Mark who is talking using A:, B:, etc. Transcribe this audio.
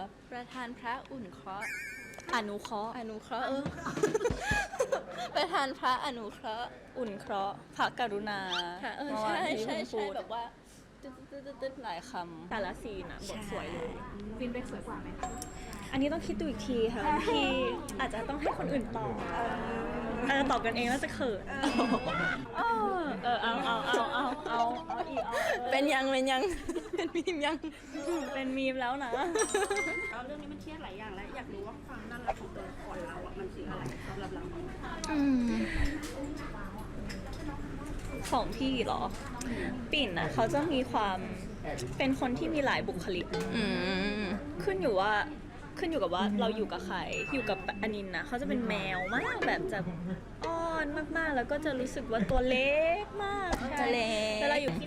A: ประธานพระอุ่นเคราะห์
B: อนุเคราะห์
A: อนุเคราะห์ประธานพระอนุเคราะห์
B: อุ่นเคราะห์พระกรุณา
A: ค่ะ
B: เมื่อวา
A: ใช่
B: นที่
A: ใช่
B: เพิ่ง
A: ใช่
B: พูด
A: แบบว่าตึ๊ดๆๆๆ
B: หลายคำแต่ละซีนอะบทสวยเลย
C: ฟินไปสวยกว่าไหมคะ
B: อันนี้ต้องคิดดูอีกทีค่ะพี่อาจจะต้องให้คนอื่นตอบตอบกันเองแล้วจะเขินเอาอีก
A: เป็นยังเป็นมีมยัง
B: เป็นมีมแล้วนะ
C: แล้วเรื่องนี้มันเครียดหลายอย่างแล้วอยากรู้ว่าความน่ารักของตัวละครเราอ่ะมันคืออะไรสำหรับเรา
B: ของพี่เหรอ ปิ่นอ่ะเขาจะมีความเป็นคนที่มีหลายบุคลิก
A: อืม
B: ขึ้นอยู่กับว่าเราอยู่กับใครอยู่กับอนินนะเขาจะเป็นแมวมากแบบจะอ้อนมากๆ แล้วก็จะรู้สึกว่าตัวเล็กมาก
A: จะเล็ก